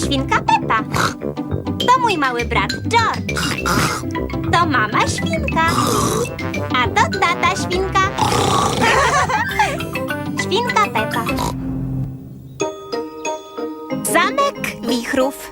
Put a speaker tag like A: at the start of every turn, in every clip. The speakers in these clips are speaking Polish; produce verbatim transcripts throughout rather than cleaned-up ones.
A: świnka Pepa. To mój mały brat George. To mama świnka. A to tata świnka. Świnka Pepa. Zamek wichrów.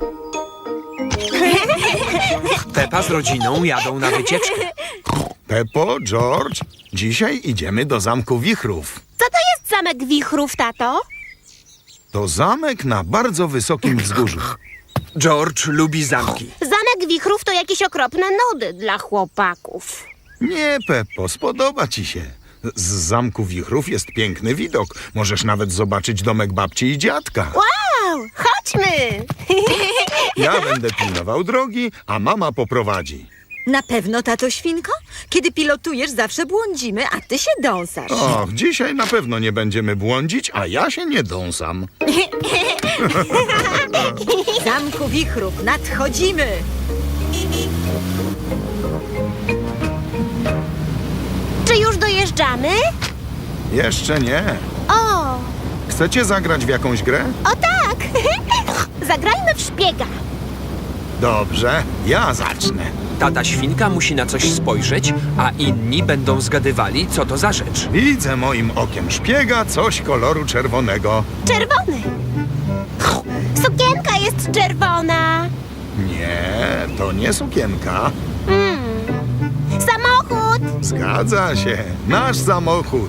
B: Pepa z rodziną jadą na wycieczkę.
C: Peppo, George, dzisiaj idziemy do Zamku Wichrów.
A: Co to jest zamek wichrów, tato?
C: To zamek na bardzo wysokim wzgórzu.
B: George lubi zamki.
A: Zamek wichrów to jakieś okropne nudy dla chłopaków.
C: Nie, Peppo, spodoba ci się. Z Zamku Wichrów jest piękny widok. Możesz nawet zobaczyć domek babci i dziadka.
A: Wow, chodźmy!
C: Ja będę pilnował drogi, a mama poprowadzi.
D: Na pewno, tato świnko? Kiedy pilotujesz, zawsze błądzimy, a ty się dąsasz.
C: Och, dzisiaj na pewno nie będziemy błądzić, a ja się nie dąsam.
D: Zamku wichrów, nadchodzimy!
A: Czy już dojeżdżamy?
C: Jeszcze nie.
A: O,
C: Chcecie zagrać w jakąś grę?
A: o tak! Zagrajmy w szpiega.
C: Dobrze, ja zacznę.
B: Tata świnka musi na coś spojrzeć, a inni będą zgadywali, co to za rzecz.
C: Widzę moim okiem szpiega coś koloru czerwonego.
A: Czerwony. Sukienka jest czerwona.
C: Nie, to nie sukienka.
A: Mm. Samochód.
C: Zgadza się, nasz samochód.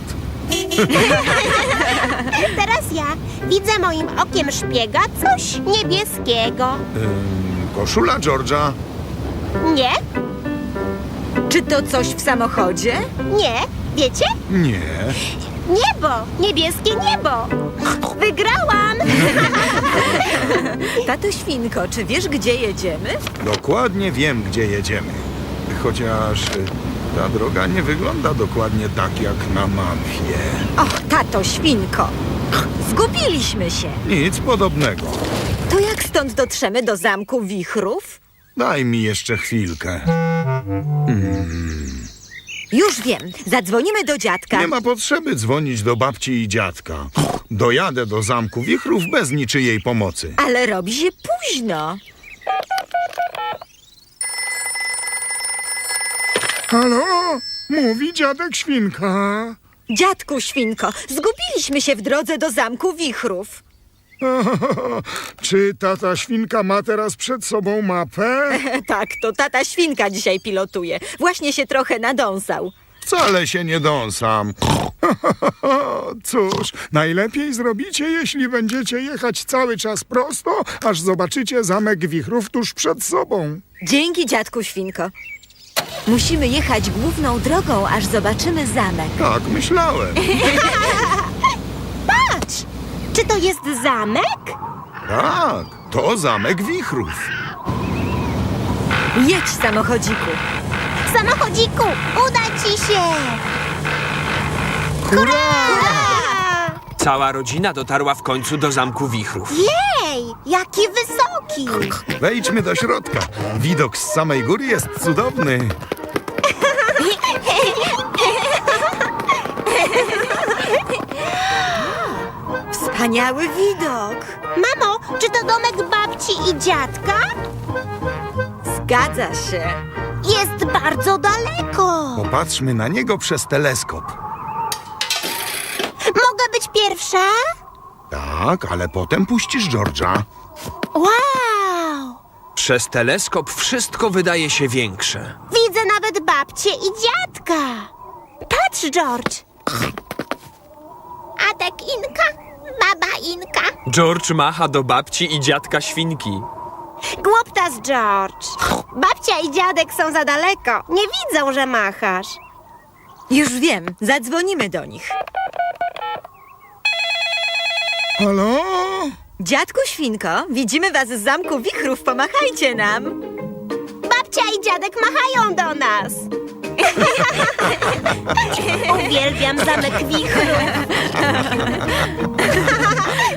A: Teraz ja widzę moim okiem szpiega coś niebieskiego.
C: Ym, koszula George'a.
A: Nie,
D: Czy to coś w samochodzie?
A: nie, wiecie?
C: Nie.
A: Niebo, niebieskie niebo. Wygrałam.
D: Tato świnko, czy wiesz, gdzie jedziemy?
C: Dokładnie wiem, gdzie jedziemy. Chociaż y, ta droga nie wygląda dokładnie tak jak na mapie.
D: Och, tato świnko! Zgubiliśmy się.
C: Nic podobnego.
D: To jak stąd dotrzemy do Zamku Wichrów?
C: Daj mi jeszcze chwilkę.
D: Już wiem, zadzwonimy do dziadka.
C: Nie ma potrzeby dzwonić do babci i dziadka. Dojadę do Zamku Wichrów bez niczyjej pomocy.
D: Ale robi się późno.
C: Halo? Mówi dziadek świnka.
D: Dziadku świnko, zgubiliśmy się w drodze do Zamku Wichrów.
C: Czy tata świnka ma teraz przed sobą mapę?
D: Tak, to tata świnka dzisiaj pilotuje. Właśnie się trochę nadąsał.
C: Wcale się nie dąsam. Cóż, najlepiej zrobicie, jeśli będziecie jechać cały czas prosto, aż zobaczycie Zamek Wichrów tuż przed sobą.
D: Dzięki, dziadku świnko. Musimy jechać główną drogą, aż zobaczymy zamek.
C: Tak myślałem.
A: Patrz, czy to jest zamek?
C: Tak, to Zamek Wichrów.
D: Jedź, samochodziku.
A: Samochodziku, uda ci się.
C: Hurra!
A: A!
B: Cała rodzina dotarła w końcu do Zamku Wichrów.
A: Jej, jaki wysoki.
C: Wejdźmy do środka. Widok z samej góry jest cudowny.
D: Wspaniały widok.
A: Mamo, czy to domek babci i dziadka?
D: Zgadza się.
A: Jest bardzo daleko.
C: Popatrzmy na niego przez teleskop.
A: Mogę być pierwsza?
C: Tak, ale potem puścisz George'a.
A: Wow!
B: Przez teleskop wszystko wydaje się większe.
A: Widzę nawet babcię i dziadka. Patrz, George. Adek Inka, baba Inka.
B: George macha do babci i dziadka świnki.
A: Głuptas, George. Babcia i dziadek są za daleko. Nie widzą, że machasz.
D: Już wiem, zadzwonimy do nich.
C: Halo?
D: Dziadku świnko, widzimy was z Zamku Wichrów, pomachajcie nam.
A: Babcia i dziadek machają do nas. Uwielbiam Zamek Wichrów.